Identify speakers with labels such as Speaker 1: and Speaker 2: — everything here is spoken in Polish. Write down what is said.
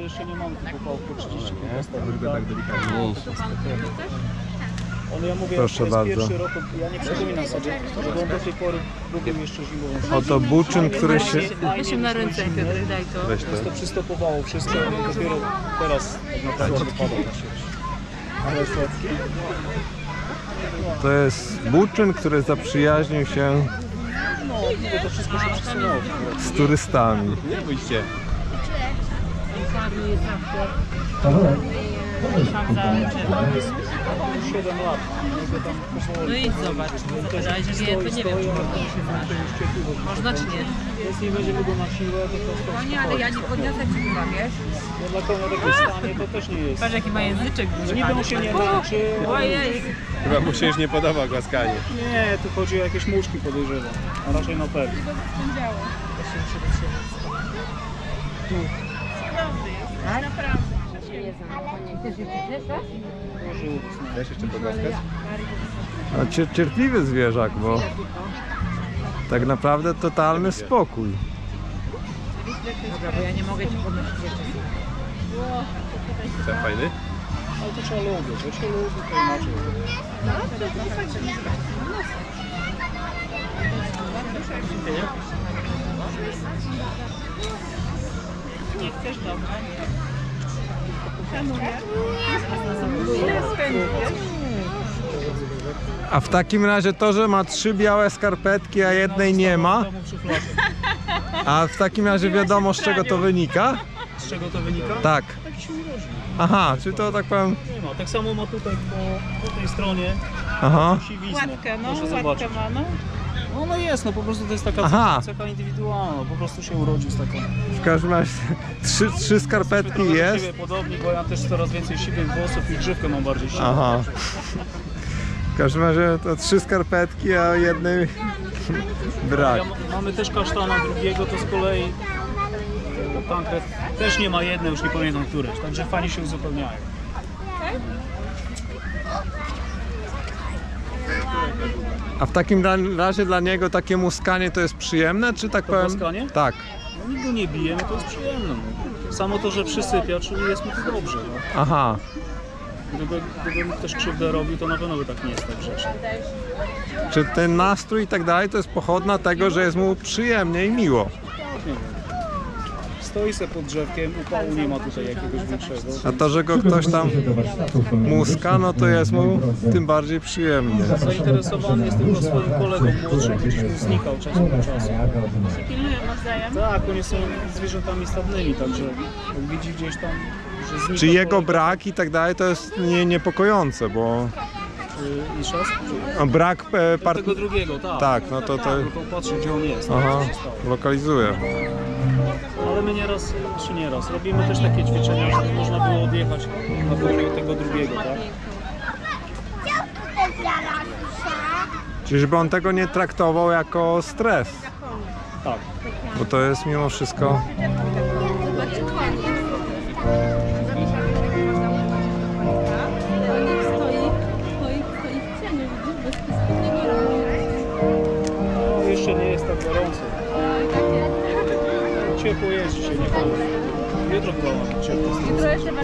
Speaker 1: jeszcze nie mamy tylko po 30 km.
Speaker 2: Kurde, tak delikatnie.
Speaker 1: Ale ja mówię,
Speaker 3: Proszę
Speaker 1: to jest
Speaker 3: bardzo.
Speaker 1: pierwszy rok, ja nie przypominam sobie, że on do tej pory lubił jeszcze zimową.
Speaker 3: Oto buczyn, który się...
Speaker 4: Weź na ręce, Piotr, daj to.
Speaker 3: Weź
Speaker 1: To
Speaker 3: to.
Speaker 1: przystopowało wszystko, dopiero teraz tak naprawdę wypada ta sieć. Ale słodkie?
Speaker 3: To jest buczyn, który zaprzyjaźnił się
Speaker 1: No, mówię, to wszystko się przesunęło.
Speaker 3: z turystami.
Speaker 2: Nie bójcie.
Speaker 4: Szansa, że...
Speaker 1: 7 lat.
Speaker 4: No idź zobacz. Zapytaj, że nie, to nie wiem, czy można się znać. Można czy nie?
Speaker 1: Jeśli będziemy go na siłę, to po prostu...
Speaker 5: Nie, ale ja nie podniosę ci chyba, wiesz?
Speaker 1: No dla konia takie stanie to też nie jest.
Speaker 4: Patrz jaki ma języczek
Speaker 1: No
Speaker 4: duży.
Speaker 1: niby on się nie męczy.
Speaker 4: Ojej.
Speaker 2: Chyba mu się już nie podoba głaskanie.
Speaker 1: Nie, tu chodzi o jakieś muszki podejrzewam. A raczej na pewno.
Speaker 2: Chcesz jeszcze pogłaskać?
Speaker 3: A cierpliwy zwierzak, bo tak naprawdę totalny spokój.
Speaker 4: Dobra, bo ja nie mogę ci podnosić jeszcze.
Speaker 2: Co, fajny?
Speaker 1: Ale to trzeba lubić, to się lubi, to inaczej.
Speaker 4: Nie chcesz, dobra.
Speaker 3: A w takim razie to, że ma 3 białe skarpetki, a jednej nie ma, a w takim razie wiadomo, z czego to wynika?
Speaker 1: Z czego to wynika?
Speaker 3: Tak.
Speaker 1: Tak się urodzi.
Speaker 3: Aha, czy to tak powiem...
Speaker 1: Nie ma. Tak samo ma tutaj po tej stronie
Speaker 3: Aha.
Speaker 1: siwiznę.
Speaker 4: Łatkę, no,
Speaker 1: Proszę
Speaker 4: łatkę
Speaker 1: zobaczyć.
Speaker 4: ma, no.
Speaker 1: No, no jest, no po prostu to jest taka
Speaker 3: Aha.
Speaker 1: cecha indywidualna, po prostu się urodził z taką.
Speaker 3: W każdym razie 3 skarpetki
Speaker 1: Trochę do
Speaker 3: jest.
Speaker 1: siebie podobni, bo ja też coraz więcej siwych włosów i grzywkę mam bardziej siwą.
Speaker 3: Aha. W każdym razie to 3 skarpetki, a jednej brak.
Speaker 1: Mamy też kasztana drugiego, to z kolei Tankred też nie ma jednej, już nie pamiętam któreś, także fajnie się uzupełniają.
Speaker 3: A w takim razie dla niego takie muskanie to jest przyjemne, czy tak
Speaker 1: To
Speaker 3: powiem?
Speaker 1: muskanie?
Speaker 3: Tak.
Speaker 1: No nikt go nie bije, no to jest przyjemne. No. Samo to, że przysypia, czyli jest mu to dobrze. No.
Speaker 3: Aha.
Speaker 1: Gdyby mu ktoś krzywdę robił, to na pewno by tak nie jest tak grzecznie.
Speaker 3: Czy ten nastrój i tak dalej to jest pochodna tego, że jest mu przyjemnie i miło?
Speaker 1: Nie wiem. Stoi se pod drzewkiem, upału nie ma tutaj jakiegoś większego.
Speaker 3: A to, że go ktoś tam muska, no to jest mu tym bardziej przyjemnie.
Speaker 1: Zainteresowany jest tylko swoim kolegą młodszym, gdzieś mu znikał czas do czasu.
Speaker 4: Pilnują nawzajem.
Speaker 1: Tak, oni są zwierzętami stadnymi, także jak widzi gdzieś tam, że znika...
Speaker 3: Czy jego
Speaker 1: kolega,
Speaker 3: brak i tak dalej to jest niepokojące, bo
Speaker 1: Jeszcze raz?
Speaker 3: brak
Speaker 1: Tego drugiego, tak.
Speaker 3: Tak, no to...
Speaker 1: No to patrzy, gdzie on jest.
Speaker 3: Aha,
Speaker 1: co się stało.
Speaker 3: lokalizuje.
Speaker 1: Ale my nieraz, czy nieraz, robimy też takie ćwiczenia, żeby można było odjechać na pewno tego drugiego, tak?
Speaker 3: Czyli żeby on tego nie traktował jako stres,
Speaker 1: Tak.
Speaker 3: bo to jest mimo wszystko...
Speaker 1: No, jeszcze nie jest tak gorąco. Ciepło jest dzisiaj, nie wolno. Jutro chyba ma być ciepło.